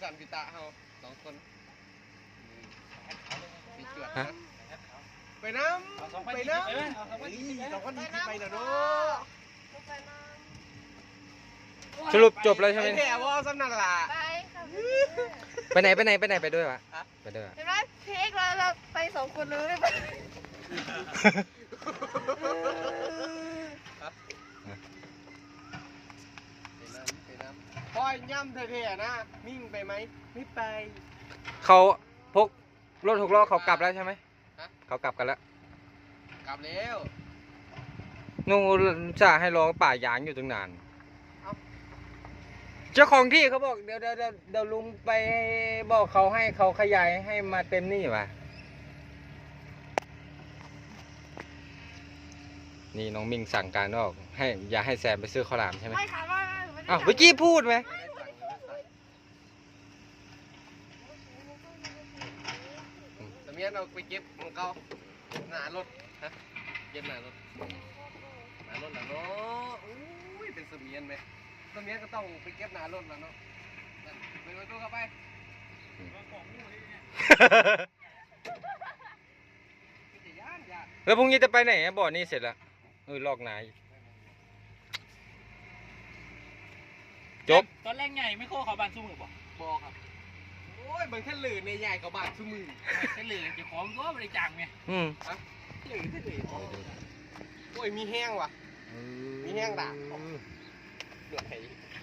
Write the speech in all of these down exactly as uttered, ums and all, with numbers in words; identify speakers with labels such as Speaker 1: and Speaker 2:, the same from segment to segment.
Speaker 1: สันพิตาเฮาสองคนสีจวดไปน้ำไปน้ำสองพันยี่สิบไปแล้วเนาะ
Speaker 2: สรุปจบแล้วใช่ไหม
Speaker 1: แถวว่าสำนักล่ะ
Speaker 3: ไปค่ะ
Speaker 2: ไปไหนไปไหนไปไหนไปด้วยวะไปด้วย
Speaker 3: เห็นไหมเค้กเราเราไปสองคนเลยไป
Speaker 1: พอยย่ำเท่ๆนะมิ่งไปไหมไม่ไป
Speaker 2: เขาพกรถหกล้อเขากลับแล้วใช่ไหมเขากลับกันแล้ว
Speaker 1: กลับแล้ว
Speaker 2: นู่นจ่าให้รอป่ายางอยู่ตั้งนานเจ้าของที่เขาบอกเดี๋ยวเดี๋ยวเดี๋ยวลุงไปบอกเขาให้เขาขยายให้มาเต็มนี่ว่ะนี่น้องมิงสั่งการออกให้อย่าให้แซมไปซื้อข้าวหลามใช่ไหม
Speaker 3: ไม่ค่ะว่า
Speaker 2: อ้าวเมื่อกี้พูดไหม
Speaker 1: สมัยเราไปเก็บของเขาหนารถฮะเก็บหนารถหนารถแล้วเนาะอุ้ยเป็นสมียนไหมสมียนก็ต้องไปเก็บหนารถแล้วเนาะไปไปดูเข้าไป
Speaker 2: แล้วพรุ่งนี้จะไปไหนบ่อนี่เสร็จแล้วเออลอกนายจบ
Speaker 4: ตอนแรกใหญ่ไม่โค้เขาบานสู้มือบ่
Speaker 1: บอกครับโอ้ยมันแค่หลือในใหญ่กับบาทชั่วมือ
Speaker 4: แค่เหลือจะของก็บริจาคไง
Speaker 2: อืม
Speaker 1: หลือแค่หลือโอ้ยมีแห้งว่ะมีแห้งด่าเหลือไข่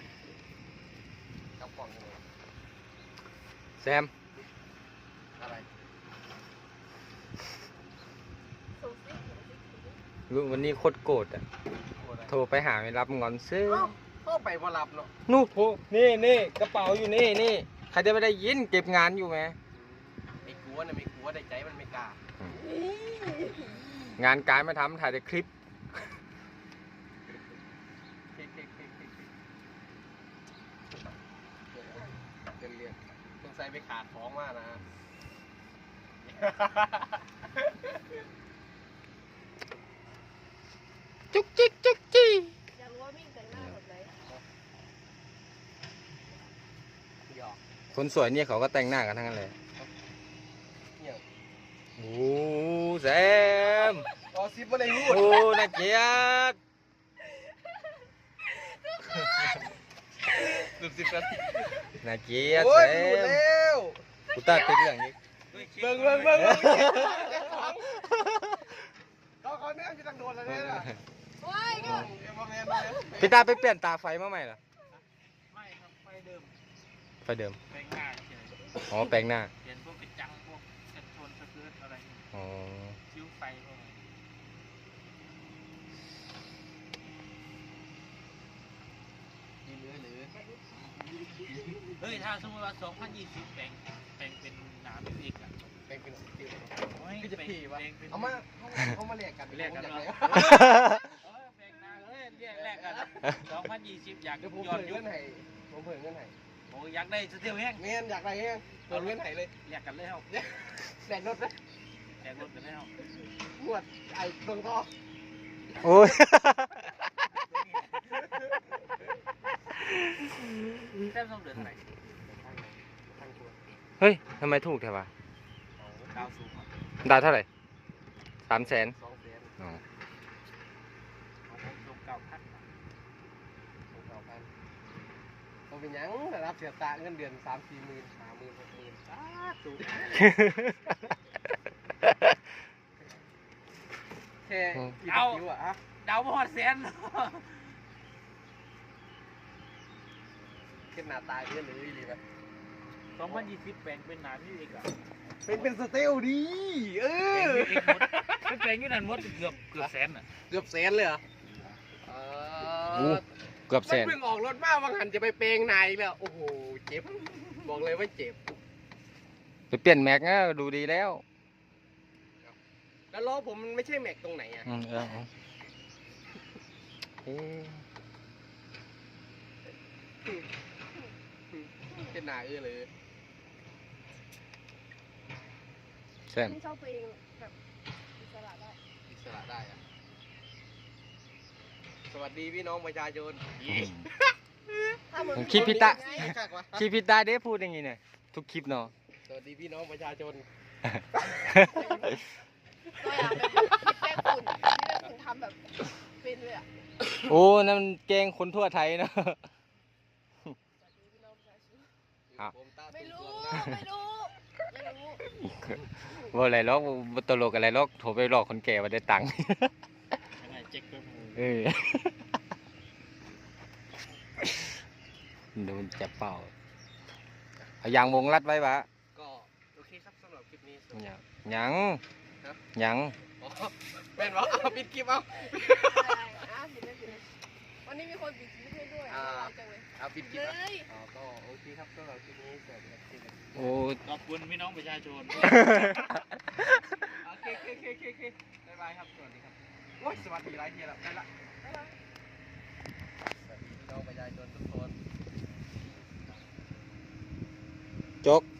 Speaker 1: กับกล่องเลย
Speaker 2: แซม
Speaker 1: อะไร
Speaker 2: รู้วันนี้โคตรโกรธอ่ะโทรไปหาไม่รับงอนซื้อ
Speaker 1: เข้าไปพอรับเนาะ
Speaker 2: นู่นโทรนี่นี่กระเป๋าอยู่นี่นี่ใครจะไม่ได้ยินเก็บงานอยู่ไหม
Speaker 1: ไม่กลัวนะไม่กลัวได้ใจมันไม่กล้าง
Speaker 2: านการไม่ทำถ่ายแต่คลิป
Speaker 1: เรียนเรียนต้องใส่ไปขาดของมากนะ
Speaker 2: จุกจิกจุกจี
Speaker 3: อยากรู้ว่ามิ่งแต่งหน้าแบบไหน
Speaker 1: หยอก
Speaker 2: คนสวยเนี่ยเขาก็แต่งหน้ากันทั้งนั้นเลย
Speaker 1: เนี่ย
Speaker 2: โอ้แซม
Speaker 1: อ๋อซิปมาเลยพูด
Speaker 2: โอ้น่าเกลียด
Speaker 1: สิบสิบนาที
Speaker 2: น่าเกลียด
Speaker 1: โอ้
Speaker 2: แซ
Speaker 1: ยหลุด
Speaker 2: ม
Speaker 1: แล้ว
Speaker 2: กูตัดติดเรื่องนี้
Speaker 1: เบิ่งเบิ่งเบิ่งเขาเขาเนี่ยจะตั้งโดนแล้วเนี่ย
Speaker 3: โอ้ยก็
Speaker 2: พี่ตาไปเปลี่ยนตาไฟมาใหม่เหรอ
Speaker 4: ไม่ครับไฟเดิม
Speaker 2: ไฟเดิม
Speaker 4: แปลงหน้าเฉย
Speaker 2: อ๋อแปลงหน้า
Speaker 4: เปลี่ยนพวกกระจังพวกกระชนสะเกิดอะไร
Speaker 2: อ๋อ
Speaker 4: ชิ้วไฟพวกนี้เฮ้ยถ้าสมมติว่าสองพันยี่สิบแปลงแปลงเป็นน้ำอีกอ่ะ
Speaker 1: เป็นเป็นสติล
Speaker 4: โอ้ย
Speaker 1: คือจะผีวะ
Speaker 4: แปลงเป็น
Speaker 1: เอามาเขามาเรียกกัน
Speaker 4: เรียกกัน
Speaker 1: เล
Speaker 4: เนาะ
Speaker 1: ย
Speaker 4: เออแปลงนาเลยเรียกแรกกันสองพันยี่สิบอยาก
Speaker 1: เดี๋ยวผม
Speaker 4: ย้อ
Speaker 1: เพิ่
Speaker 4: น
Speaker 1: ง
Speaker 4: ยุ
Speaker 1: เงื่
Speaker 4: ค
Speaker 1: อนไห้ผมเพิ่งเงื่อนไห้
Speaker 4: โอ้อยากได้สเตีลแห้ง
Speaker 1: เมียนอยากอะไรเงี้ยเพิ่งเงื่อนไห้เลย
Speaker 4: เรียกกันเลยเฮา
Speaker 1: แดดรถนะ
Speaker 4: แจกรถกันเลยเฮา
Speaker 1: หวดไอ้ตรงท่อ
Speaker 2: โอ้ย
Speaker 4: แค่ต้องเดินไหน
Speaker 2: เฮ้ยทำไมถูกแท้วะ
Speaker 4: ดาวสูงอ่ะ
Speaker 2: ดาวเท่าไหร่สามแสน
Speaker 1: สองแสน
Speaker 2: อ๋อ
Speaker 4: ผมส่งเก่าพัน
Speaker 1: สองเก้าพันผมเป็นยังแต่รับเสียตาเงินเดือนสามสี่หมื่นห้าหมื่นหกหมื่นสาธุแค่กี่คิวอะฮะ
Speaker 4: ดาวมอดแสน
Speaker 1: ขึ้นหน้าตาเยอะเลยดีไหม
Speaker 4: สองพันยี่สิบแปลงเป็นน้ำนี่เองอ่ะ
Speaker 1: เป็นเป็นสเตลดีเออ
Speaker 4: เป็นแปลงอยู่นั่นมดเกือบเกือบแสนอ่ะ
Speaker 1: เกือบแสนเลยเหรอเอ
Speaker 2: โอ้
Speaker 1: อ
Speaker 2: เกือบแส
Speaker 1: มัน
Speaker 2: น
Speaker 1: เพิ่งออกรถมาบางหันจะไปเปลงนายแล้วโอ้โหเจ็บบอกเลยว่าเจ็บ
Speaker 2: ไปเปลี่ยนแม็กนะดูดีแล้ว
Speaker 1: แล้วล้อผมมันไม่ใช่แม็กตรงไหนอ่ะ
Speaker 2: อืมเออเอาเอ๊ะ
Speaker 1: เป็นหนาเออเลย
Speaker 2: แซม
Speaker 3: ไม่ชอบตัวเองแบบอิสระได้
Speaker 1: อิสระได้อะสวัสดีพี่น้องประชาชน
Speaker 3: ทำเหมือน
Speaker 2: คลิปพี่ตะ
Speaker 3: ไง
Speaker 1: คักวะ
Speaker 2: คลิปพี่ตาได้พูดอย่างงี้เนี่ยทุกคลิปเนาะ
Speaker 1: สวัสดีพี่น้องประชาชน
Speaker 3: ตัวอย่างเป็นคลิปแป้งฝุ่นที่แป้งฝุ่นทำแบบเป็นเลยอ่ะ
Speaker 2: โอ้นั่นมันแกงคนทั่วไทยเนาะ อ้าว
Speaker 1: ผมตา
Speaker 3: ไม่
Speaker 1: ตุ้
Speaker 3: รู้
Speaker 1: สวงนะ
Speaker 3: ไม่รู้ไม่รู้
Speaker 2: ว่าอะไรหรอกบ่ตลกอะไรหรอกโทรไปหลอกคนแก่ว่าได้ตังค์
Speaker 4: ยังไงเจ๊กเพิ่ม
Speaker 2: เออโดนจับเป่าเอายางวงรัดไว้ปะ
Speaker 1: ก็โอเคครับสำหรับคลิปนี้ส
Speaker 2: ยังยัง
Speaker 1: ฮะ
Speaker 2: ยัง
Speaker 1: อ๋อแม่นวะเอาปิดคลิปเอา
Speaker 3: อะไรอ่ะผิดไม่ผิดวันนี้มีคนปิดคลิปให้ด้วยน่ารักจังเลย
Speaker 1: เอาปิดคลิ
Speaker 3: เล
Speaker 1: ปอ่ะ
Speaker 3: ย
Speaker 1: อ๋อก็โอเคครับสำหรับคลิปนี้สวัสดีครับ
Speaker 2: โอ้
Speaker 4: ขอบคุณพี่น้องประชาชน
Speaker 1: โอเคโอเคโอเคโอเคบ๊ายบายครับ สวัสดีครับโอ้ยสวัสดีหลายทีแล้วไปละ
Speaker 3: บ๊ายบาย
Speaker 1: สวัสดีพี่น้องประชาชนทุกคน
Speaker 2: จก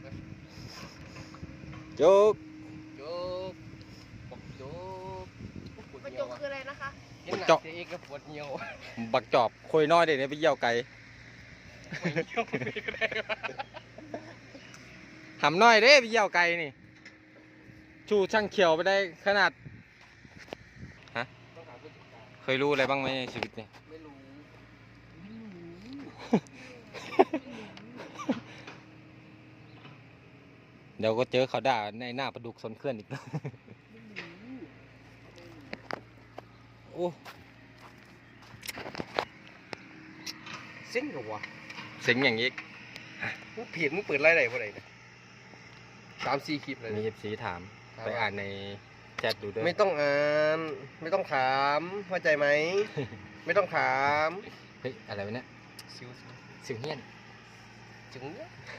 Speaker 2: จก
Speaker 1: โจกบอกโจกปวด
Speaker 3: ประ
Speaker 1: เหี่
Speaker 3: จ
Speaker 1: ยว
Speaker 3: ก
Speaker 1: อ่ะ
Speaker 3: คืออะไรนะคะ
Speaker 1: เห็นหนักเจ๊ก็ปวดเหี่ยว
Speaker 2: บักจอบคุยน้อยเด็กเนี่ยไปเยี่ยวไก่
Speaker 1: ปวดเหี่ยวคนนี้ก็ได้วะ
Speaker 2: หำน้อยเด้ไปเยี่ยวไก่นี่ชูช่างเขียวไปได้ขนาด
Speaker 1: ต้องหาผู้จัดการ
Speaker 2: เคยรู้อะไรบ้างไหมในชีวิตเนี่ย
Speaker 1: ไม่รู้
Speaker 2: เดี๋ยวก็เจอเขาด่าในหน้าประดุกสนเคลื่อนอีก โอ้
Speaker 1: เซ็งเหรอวะ
Speaker 2: เสียงอย่างนี้
Speaker 1: มึงผิดมึงเปิดไล่ไหนวะไหนเนี่ยสามสี่คลิปเลย
Speaker 2: มี
Speaker 1: นะ
Speaker 2: เอฟซีถาม ไปอ่านในแชทดูด้วย
Speaker 1: ไม่ต้องอ่านไม่ต้องถามเข้าใจไหม ไม่ต้องถาม
Speaker 2: เฮ้ย อะไรวะเนี่ย
Speaker 1: ซิว
Speaker 2: สิวเฮียน
Speaker 1: จึง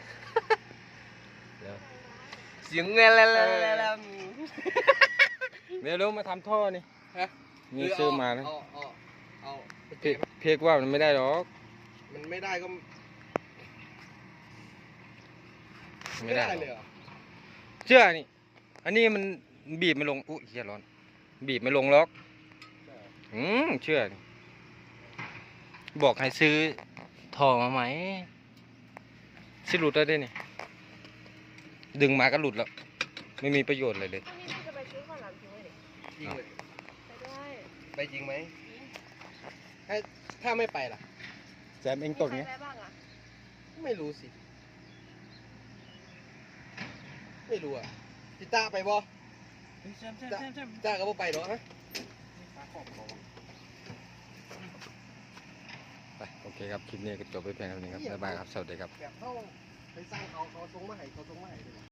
Speaker 2: เดี๋ยว
Speaker 1: เสียงเงี้ยแล้วแล้วแล้ว
Speaker 2: เดี๋ยวรู้มาทำท่อนี่
Speaker 1: ฮะ
Speaker 2: มีซื้อมานะ
Speaker 1: เอาเอาเอา
Speaker 2: เพียเพียกว่ามันไม่ได้หรอก
Speaker 1: มันไม่ได้ก็
Speaker 2: ไม่ได้หร
Speaker 1: เลย
Speaker 2: อก
Speaker 1: เหรอ
Speaker 2: เชื่อนี่ อันนี้มันบีบไม่ลง อุ้ยเฮียร้อน บีบไม่ลงหรอก อืมเชื่อนี่บอกให้ซื้อท่อมาไหมสิหลุดแล้วได้นี่ ดึงมาก็หลุดแล้ว ไม่มีประโยชน์เลยเลย
Speaker 3: พรุ่งนี้พี่จะไปซื้อข้าวหลามทิ้งไว้ดิ
Speaker 1: จริงเลย
Speaker 3: ไปได้
Speaker 1: ไปจริงไหมถ้าถ้าไม่ไปล่ะ
Speaker 2: แจมเองตก
Speaker 3: มี
Speaker 2: เนี้ย
Speaker 3: ใครไปบ้างอ่ะ
Speaker 1: ไม่รู้สิ ไม่รู้อ่ะพี่ต้าไปบ่
Speaker 4: แซมแซมแซมแซม
Speaker 1: ต้าก็บ่ไปหรอกฮะ
Speaker 4: ฟ้าขอบของ
Speaker 2: ไป โอเคครับ คลิปนี้ก็จบไปเพียงเท่านี้ครับ บ๊ายบายครับ สวัสดีครับ
Speaker 1: แบบเขาไปสร้างเขาเขาทรงมาให้เขาทรงมาให้เลย